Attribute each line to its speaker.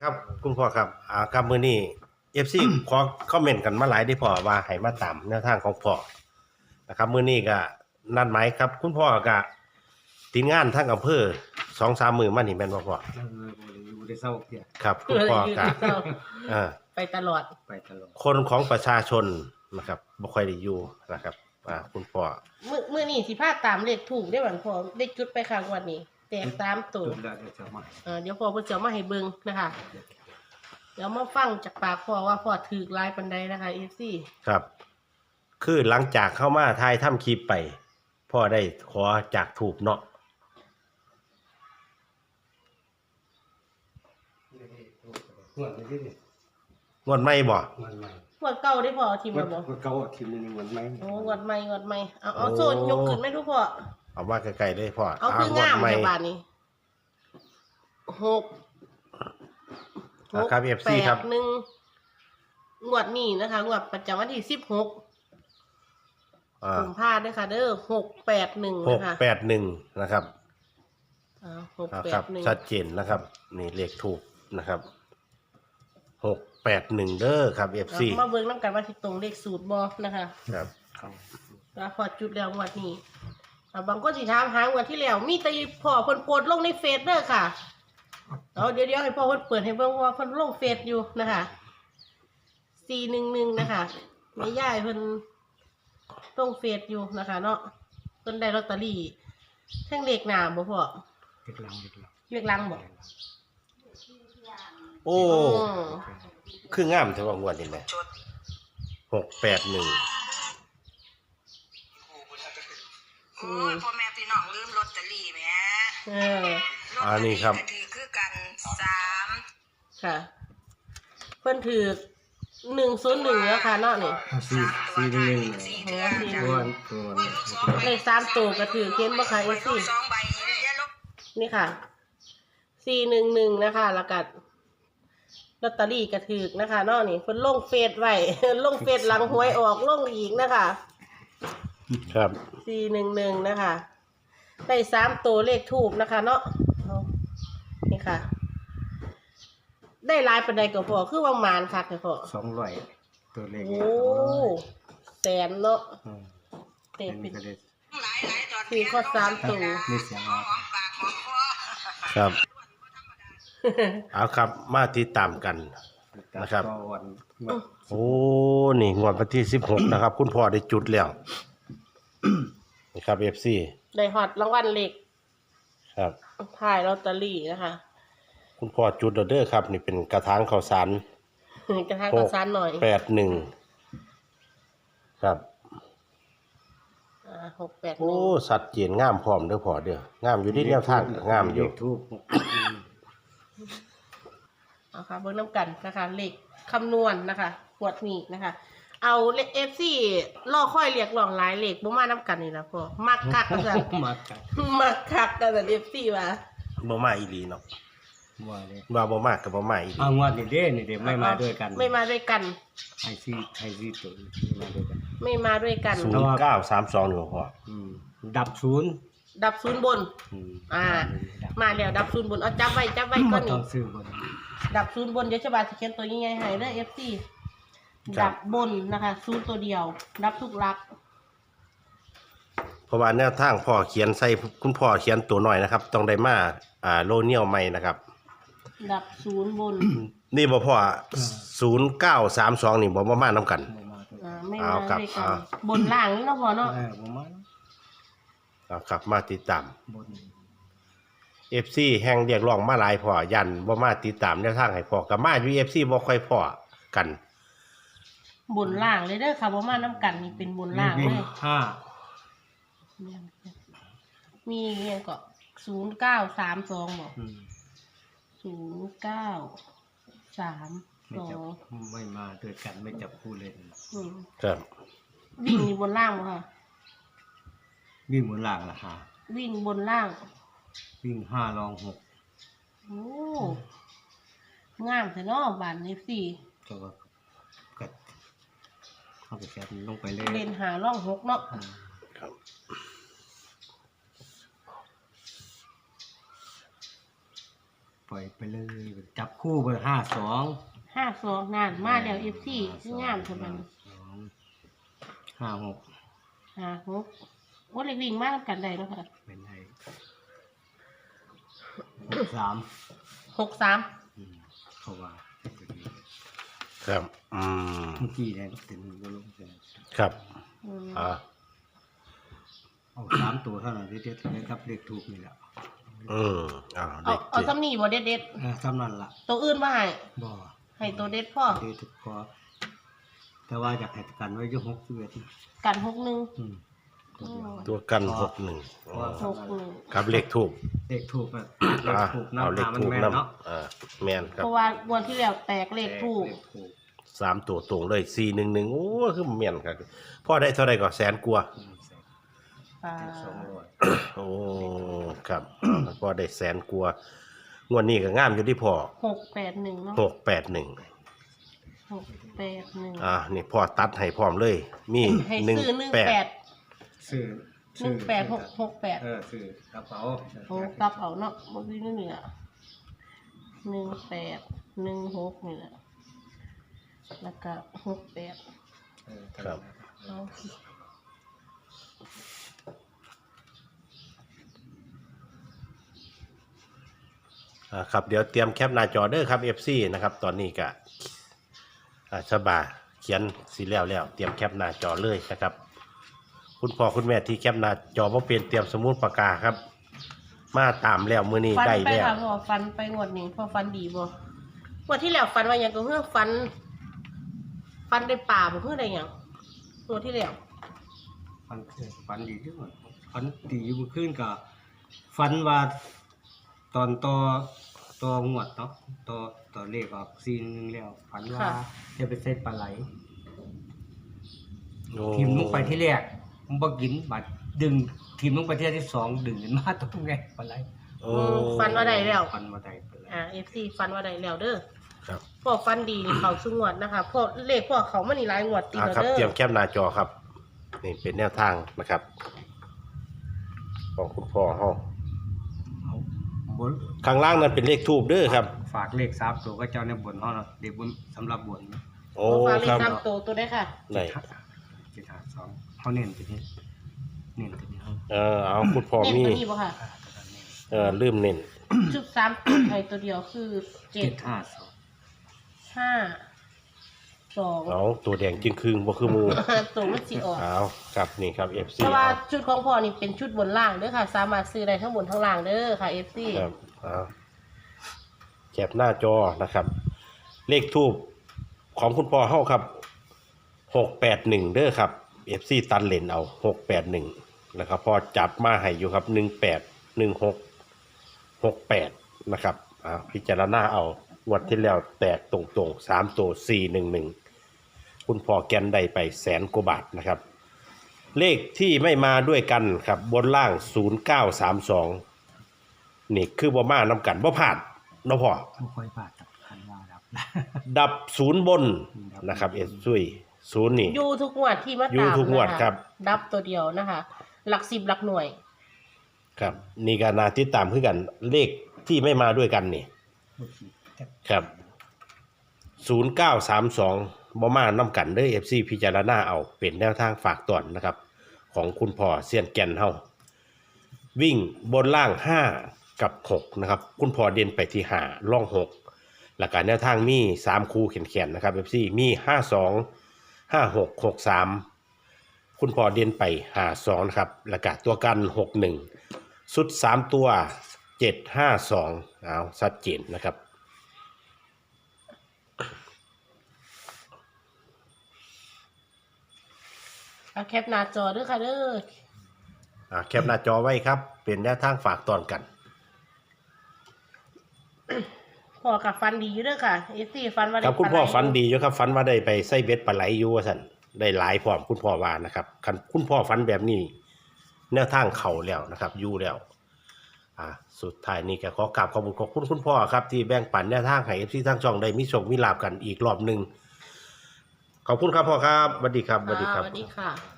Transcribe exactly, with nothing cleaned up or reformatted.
Speaker 1: ครับคุณพ่อครับอ่าครับมื้อนี้ เอฟ ซี ขอคอมเมนต์กันมาหลายเด้อพ่อว่าให้มาตามแนวทางของพ่อนะครับมื้อนี้ก็นัดหมายครับ คุณพ่อก็ติดงานทางอำเภอ สองสาม มื้อมานี่แม่นบ่พ่อ
Speaker 2: เออบ่ได้อยู่ได้เศร้าเที่ย
Speaker 1: ครับคุณพ่อก็เออ
Speaker 3: ไปตลอด
Speaker 2: ไปตลอด
Speaker 1: คนของประชาชนนะครับบ่ค่อยได้อยู่นะครับอ่าคุณพ่อ
Speaker 3: มื้อมื้อนี้สิพาตามเลขถูกได้หวันพอได้จุดไปข้างวันนี้แตกตามตัว
Speaker 2: จุดแล้วเดี๋ยวจะมา
Speaker 3: เออเดี๋ยวพอเพิ่นจะเอามาให้เบิ่งนะคะเดี๋ยวมาฟังจากปากพ่อว่าพ่อถูกหลายปานใดนะคะ เอฟ ซี
Speaker 1: ครับ คือหลังจากเข้ามาถ่ายทำคลิปไปพ่อได้ขอจากถูกเนาะ
Speaker 2: งวดนี้ดิ
Speaker 1: งวดใหม่บ่
Speaker 2: งวดใหม่
Speaker 3: งวดเก่าได้พอทีม
Speaker 2: งว
Speaker 3: บ่
Speaker 2: ด
Speaker 3: บ่
Speaker 2: งวดเก่าทีมนึงงวดใหม่
Speaker 3: โอ้งวดใหม่งวดใหม่เอาเอาโซนยกขึ้นแม่ทุกพ่อ
Speaker 1: เอามาใกล้ๆเลยพ่อ
Speaker 3: เอาคืองาม
Speaker 1: ใหม่
Speaker 3: จังบาดนี้หก
Speaker 1: อ่าครับ เอฟ ซี ครับ
Speaker 3: แปดหนึ่งงวดนี้นะคะงวดประจำวันที่สิบหก
Speaker 1: อ่า
Speaker 3: ผมพลาดด้วยค่ะเด้อหกแปดหนึ่ง
Speaker 1: ห
Speaker 3: นะ
Speaker 1: ก
Speaker 3: คะ
Speaker 1: แปดหนึ่งนะครับ
Speaker 3: อ่าหก
Speaker 1: อ่า
Speaker 3: แป
Speaker 1: ครั
Speaker 3: ด
Speaker 1: บ
Speaker 3: หนึ่ง
Speaker 1: ชัดเจนนะครับ นี่เลขถูกนะครับหกแปดหนึ่งเด้อครับ เอฟ ซี
Speaker 3: มาเบิ่งน้ำกันว่าที่ตรงเลขสูตรบอนะคะ
Speaker 1: ครับ
Speaker 2: เข้า
Speaker 3: แล้วพอจุดแล้วงวดนี้อ่าบางคนสิถามหางวดที่แล้ว มีแต่พ่อเพิ่นโพสต์ลงในเฟซเด้อค่ะเอาเดี๋ยวเดี๋ยวให้พ่อเพิ่นเปิดให้เบิ่งว่าเพิ่นลงเฟซอยู่นะคะสี่หนึ่งหนึ่งนะคะแม่ย่ายเพิ่นลงเฟซอยู่นะคะเนาะเพิ่นได้ลอตเตอรี่ทั้งเลขหน้าบ่พ่อ
Speaker 2: เด็กหลังเด็กหลัง
Speaker 3: เลขหลังบ่
Speaker 1: โอ้
Speaker 3: อืม
Speaker 1: คืองามแต่ว่างวดนี่แหละหกแปดหนึ่ง
Speaker 4: โอ้ยพ่อแม่พี่น้องลืมลอตเตอรี่แหม
Speaker 3: เออ
Speaker 1: อ่านี่ครับ
Speaker 4: ลอตเตอก็ถือคือกันสาม
Speaker 3: ค่ะ เพิ่นถือหนึ่งศูนย์หนึ่งแล้วค่ะเนาะนี่
Speaker 2: เอาสี่สี่หนึ่ง
Speaker 4: สี่
Speaker 3: โอ้
Speaker 4: เดือน
Speaker 3: สี่
Speaker 4: จ้ะ
Speaker 2: ตัวตัว
Speaker 3: เลขสามตัวก็ถือเขียนบ่ค่ะ
Speaker 4: ไว้
Speaker 3: เอ
Speaker 4: ลู
Speaker 3: ซี่
Speaker 4: กสองใบเดี๋ยวลูก
Speaker 3: นี่ค่ะสี่หนึ่งหนึ่งนะคะ แล้วก็ลอตเตอรี่ก็ถือนะคะเนาะนี่เพิ่นลงเฟซไว้ ลงเฟซหลังหวยออกลงอีกนะคะ
Speaker 1: ครับ
Speaker 3: สี่หนึ่งหนึ่งนะคะ ได้สามตัวเลขถูกนะคะ เนาะเอานี่ค่ะ ได้หลายปานใดก็พอคือว่ามานคักเลยพอ
Speaker 2: สองร้อยตัวเลข
Speaker 3: โอ้แสนเนาะ
Speaker 2: อืม
Speaker 3: เตะ
Speaker 2: อัน
Speaker 3: เป็
Speaker 2: นี้
Speaker 3: น
Speaker 2: ก็ได้
Speaker 4: หลายหลายตอน
Speaker 3: สี่ข้อสามตัว
Speaker 2: มีเสียง
Speaker 4: หอ
Speaker 2: ออ
Speaker 4: ม
Speaker 2: ก
Speaker 4: หอมปากหอมคอ
Speaker 1: ครับ เอาครับ มาติดตามกัน นะครับ
Speaker 2: ก็วันงวด
Speaker 1: โอ้ นี่งวดวันที่สิบหกนะครับ คุณพ่อได้จุดแล้ว นี่ครับ เอฟ ซี
Speaker 3: ได้ฮอตรางวัลเล็ก
Speaker 1: ครับ
Speaker 3: ถ่ายลอตเตอรี่นะคะ
Speaker 1: คุณพ่อจุดแล้วเด้อครับ นี่เป็นกระถางข้าวสาร
Speaker 3: กระทางกระซานหน่อย
Speaker 1: แปดหนึ่งครับ
Speaker 3: อ่าหกแปดห
Speaker 1: โอ้
Speaker 3: นึ่ง
Speaker 1: สัตว์เจียนงามพร้อมเด้อพ่อเด้องามอยู่ที่แนวทางก็งามอยู่
Speaker 2: เลขทูบ
Speaker 3: เอาค่ะเบิ้งน้ำกันนะคะเลขคำนวณนะคะขวดนี้นะคะ เอาเลขเอฟซีล่อค่อยเรียกร้องหลายเลขบ่มาน้ำกันนี่นะพ่อมักคักกันสัน
Speaker 2: มากัน
Speaker 3: มักคักกันสันเอฟซีว่า
Speaker 1: บ่มาอีหลีเนาะ
Speaker 2: ว่าเลย
Speaker 1: ว่าบ่มาก็บ่มาอีหลี
Speaker 2: เอางวดนี่เด้นี่เด้ไม่มาด้วยกัน
Speaker 3: ไม่มาด้วยกัน
Speaker 2: ไอซีไอซีตัวไม่มาด้วยกัน
Speaker 3: ไม่มาด้วยกัน
Speaker 1: ศูนย์เก้าสามสองหนึ่งพ่อ
Speaker 2: อืมดับศูนย์
Speaker 3: ดับศูนย์บน
Speaker 2: อืม
Speaker 3: อ่า
Speaker 2: ดับ
Speaker 3: มาแล้วดับศูนย์บนเอาจับไว้จับไว้ก่
Speaker 2: มา
Speaker 3: อน
Speaker 2: ต้
Speaker 3: นี่
Speaker 2: องซื้อบน
Speaker 3: ดับศูนย์บนเดี๋ยวฉบาสิเขียนตัวยังไงให้เด้อเอฟซีดับบนนะคะศูนย์ตัวเดียว ดับทุกหลัก
Speaker 1: เพราะว่าแนวทางพ่อเขียนใส่คุณพ่อเขียนตัวหน่อยนะครับ ต้องได้มาอ่าโลเนียลใหม่นะครับ
Speaker 3: ดับศูนย์บน
Speaker 1: นี่บ่พ่อศูนย์เก้าสามสองนี่บ่บ่มานํกัน
Speaker 2: บ่มาด้วย
Speaker 3: อ่าไม่
Speaker 1: เอา
Speaker 3: มา
Speaker 1: ครับ
Speaker 3: ด้วยกัน
Speaker 1: เอา
Speaker 3: บนล่างนี่เนาะพอเนาะ
Speaker 2: เออบ่มา
Speaker 1: เอาครับมาติดตาม
Speaker 2: บน
Speaker 1: เอฟ ซี แห่งเรียกร้องมาหลายพ่อยันบ่มาติดตามแนวทางให้พ่อก็มาอยู่ เอฟ ซี บ่ค่อยพอกัน
Speaker 3: บนล่างเลยเด้อค่ะบ่มาน้ำกันนี่เป็นบนล่าง
Speaker 2: วิ่
Speaker 3: เล
Speaker 2: ง
Speaker 3: ย
Speaker 2: ห้า
Speaker 3: มีเงี้ยก็ศูนย์เก้าสามสองบอก
Speaker 2: อืม
Speaker 3: ศูนย์เก้าสาม
Speaker 2: ไม่
Speaker 3: สอ
Speaker 2: จับ
Speaker 3: ง
Speaker 2: ไม่มาด้วยกันไม่จับคู่เล่น
Speaker 3: อืม
Speaker 1: ครับ
Speaker 3: วิ่งอยู่บนล่างบ่ค่ะ
Speaker 2: วิ่งบนล่างละหา
Speaker 3: วิ่งบนล่าง
Speaker 2: วิ่งห้ารองหก
Speaker 3: โอ้งามแต่เนาะบานนี้สี่
Speaker 2: ก็ว่ากัดเข้าไปแคปลงไปเลย
Speaker 3: เล่นหาร่องหกเนาะ
Speaker 2: อ่า
Speaker 1: ครับ
Speaker 2: เพล่อยไปเลยจับคู่ไปห้าสอง
Speaker 3: ห้าสองนานมาแล้วเอฟซีงามใช่ไหม
Speaker 2: ห้าหก
Speaker 3: ห้าหกโอ้เล็กวิ่งมากกันได้แล้วค่ะ
Speaker 2: เป็นไงหกสาม
Speaker 3: หกสาม
Speaker 2: อืมเขาว่า
Speaker 1: ครับอืม
Speaker 2: เมื่อกี้เนี่ยเป็นวลงเป็น
Speaker 1: ครับ
Speaker 3: อืม
Speaker 1: อ่า
Speaker 2: เอาสามตัวเท่านั้นที่เด็ดเลยครับเลขถูกนี่แหละ
Speaker 1: อืมอ่า
Speaker 3: เอา
Speaker 1: เด็ก
Speaker 3: เอา
Speaker 1: เจ็ด
Speaker 3: ซ้ำนี่บ่เด็ดเด็ด
Speaker 2: เออสำนั่นล่ะ
Speaker 3: ๆตัวอื่นมาให้
Speaker 2: บ่
Speaker 3: ให้ตัวเด็ดพ่อ
Speaker 2: เด็ดถูกพอแต่ว่าอยากให้กันไว้อยี่หกสิบเอ็ด
Speaker 3: กันหกหนึ่ง
Speaker 2: อืมตัวเดียว
Speaker 1: ตัวกันหกหนึ่ง
Speaker 2: เพราะว่า
Speaker 3: หกหนึ่ง
Speaker 1: ครับเลขถูก
Speaker 2: เลขถูกอะเลข
Speaker 1: อ่า
Speaker 2: ถูก
Speaker 1: เอา
Speaker 2: น้ำ
Speaker 1: เล
Speaker 2: หา
Speaker 1: ข
Speaker 2: มัน
Speaker 1: ถูก
Speaker 2: แม่น
Speaker 1: น
Speaker 2: เนาะ
Speaker 1: ำอ่าแมนครับ
Speaker 3: เพราะว่าวันที่แล้วแตกเลขถูก
Speaker 2: เลขถูก
Speaker 1: สามตัวตรงเลยสี่หนึ่งหนึ่งโอ้คือแมนครับพ่อได้เท่าไหร่ก็แสนกว่า
Speaker 2: อืมแสน
Speaker 3: อ่า
Speaker 2: สองร้อย
Speaker 1: โอ้ครับพ่อได้แสนกว่างวดนี้ก็งามอยู่ที่พ่อ
Speaker 3: หกแปดหนึ่งเนาะ
Speaker 1: หกแปดหนึ่ง
Speaker 3: หกแปดหนึ่ง
Speaker 1: อ่านี่พ่อตัดให้พร้อมเลย มี
Speaker 3: ให้
Speaker 1: หนึ่ง
Speaker 3: ซื้อหนึ่ง
Speaker 1: แป
Speaker 3: แป
Speaker 1: ด
Speaker 3: ด
Speaker 2: ซื้อ
Speaker 3: หนึ่งแปดหกหกแปด
Speaker 2: เออซื้อกระเป๋า
Speaker 3: โอ้กลับเอาเนาะบ่มีเหนือหนึ่งแปดหนึ่งหกนี่แหละแล้วก็หกแปด
Speaker 2: เออ
Speaker 1: ครับ
Speaker 3: เอา
Speaker 1: อ่าครับเดี๋ยวเตรียมแคปหน้าจอเด้อครับ เอฟ ซี นะครับตอนนี้ก็อ่าฉบาเขียนสีแล้วแล้วเตรียมแคปหน้าจอเลยนะครับ คุณพ่อคุณแม่ที่แคปหน้าจอบ่เป็นเตรียมสมุดปากกาครับ มาตามแล้วมื้อนี้
Speaker 3: ฟัน
Speaker 1: ได้
Speaker 3: ไป
Speaker 1: แล้ว
Speaker 3: ค่ะพ่อฟันไปงวดนี้พ่อฟันดีบ่งวดที่แล้วฟันว่าหยังก็เฮือฟัน ฟันได้ป่าบ่เฮือได้หยังงวดที่แล้ว
Speaker 2: ฟันฟันดีที่สุดฟันดีอยู่เมื่อคืนกับฟันว่าตอนต่อต่องวดเนาะต่อต่อเลขออกซีนหนึงแล้วฟันว่าจะไปเซ็ตปลาไหล
Speaker 1: โอ้
Speaker 2: ทีมลงไปที่แรกมันบ่กินบัดดึงทีมลงไปที่ที่สองดึงขึ้นมาตรงไงปลาไหล
Speaker 1: โอ้
Speaker 3: ฟันว่าได้แล้ว
Speaker 2: ฟันมาได้ปลาไหล
Speaker 3: อ่า เอฟ ซี ฟันว่าได้แล้วเด้อ
Speaker 1: ครับ
Speaker 3: พ่อฟันดีนี่เขาสุงวดนะคะพ่อเลขพ่อเขามานี่หลายงวดติด
Speaker 1: อ่า
Speaker 3: แล้ว
Speaker 1: ครับ
Speaker 3: เด้อ
Speaker 1: เตรียมแคปหน้าจอครับนี่เป็นแนวทางนะครับของคุณพ่อเฮา
Speaker 2: เอาบน
Speaker 1: ข้างล่างนั้นเป็นเลขทูบเด้อครับ
Speaker 2: ฝากเลขสามตัวก็เจ้าในบนเฮาเนาะเด็กบนสำหรับบน
Speaker 1: โอ้
Speaker 3: พ่อฟังเล
Speaker 1: ค
Speaker 3: ข
Speaker 1: รับ
Speaker 3: ตามโตวตัวได้ค่ะ
Speaker 1: ไหน
Speaker 2: เจ็ดห้าสองเขาเน้นตัวนี้เน้นตัวนี้เฮา
Speaker 1: เออเอาคุณพ่อ
Speaker 3: เน้น
Speaker 1: มี
Speaker 3: ตัวนี้บ่ค่ะ
Speaker 2: อ่าตัวนั้นเน้น
Speaker 1: เออลืมเน้น
Speaker 3: ชุดสามตัวไทยตัวเดียวคือเจ็
Speaker 2: เจ็
Speaker 3: ด
Speaker 2: ดห้าสอง
Speaker 3: ห้าสอง
Speaker 1: เอาตัวแดงจึงครึ่งบ่คือหมู
Speaker 3: ตัวมันสิออก
Speaker 1: เอาครับนี่ครับ เอฟ ซี
Speaker 3: เพราะว่าชุดของพ่อนี่เป็นชุดบนล่างเด้อค่ะ สามารถซื้อได้ทั้งบนทั้งล่างเด้อค่ะ เอฟ ซี
Speaker 1: ครับเอาแคปหน้าจอนะครับ เลขทูบของคุณพ่อเฮาครับหกแปดหนึ่งเด้อครับ เอฟ ซี ตันเลนเอาหกแปดหนึ่งนะครับพอจับมาให้อยู่ครับหนึ่งแปดหนึ่งหกหกแปดนะครับอ่าพิจารณาเอางวดที่แล้วแตกตรงๆสามตัวสี่หนึ่งหนึ่งคุณพ่อแกนได้ไปแสนกว่าบาทนะครับ เลขที่ไม่มาด้วยกันครับบนล่างศูนย์เก้าสามสองนี่คือบ่มาน้ำกันบ่ผ่านเนาะพ่อ
Speaker 2: บ่ค่อยพลาดกับคันว่าครับ
Speaker 1: ดับศูนย์บนนะครับเอสซุยศูนย์นี่
Speaker 3: อยู่ทุกงวดที่มาตาม
Speaker 1: อยู่ทุกงวด
Speaker 3: นะะ
Speaker 1: ครับ
Speaker 3: ดับตัวเดียวนะคะ หลักสิบหลักหน่วย
Speaker 1: ครับนี่ก็น่าติดตามคือกัน เลขที่ไม่มาด้วยกันนี่ครับศูนย์เก้าสามสองบ่มาน้ำกันเด้อ เอฟ ซี พิจารณาเอาเป็นแนวทางฝากตอนนะครับ ของคุณพ่อเซียนแก่นเฮาวิ่งบนล่างห้ากับหกนะครับ คุณพ่อเด่นไปที่ห้าล่องหกหลักการแนวทางมีสามคู่แขนๆนะครับ เอฟ ซี มีห้าสองห้าหกหกสามคุณพ่อเด่นไปห้าสองนะครับหลักการตัวกันหกหนึ่งสุดสามตัวเจ็ดห้าสองเอาชัดเจนนะครับ
Speaker 3: เอาแคปหน้าจอเด้อค่ะเด้อ
Speaker 1: อ่าแคปหน้าจอไว้ครับ เป็นแนวทางฝากตอนกัน
Speaker 3: พ่อกับฟันดีอยู่เด้อค่ะ เอฟซีฟันว่าได้
Speaker 1: ครับคุณพ่อ
Speaker 3: ปลาไหล
Speaker 1: ฝันดีอยู่ครับฝันว่าได้ไปใส่เบ็ดปลาไหลอยู่ว่าสันได้หลายพร้อมคุณพ่อว่านะครับคันคุณพ่อฝันแบบนี้ แนวทางเข่าแล้วนะครับอยู่แล้วอ่าสุดท้ายนี้ก็ขอกราบขอบคุณขอบคุณคุณพ่อครับที่แบ่งปันแนวทางให้เอฟซีทั้งช่องได้มีโชคมีลาบกันอีกรอบหนึ่งขอบคุณครับพ่อครับสวัสดีครับสวัสดีครับ
Speaker 3: สวัสดีค่ะ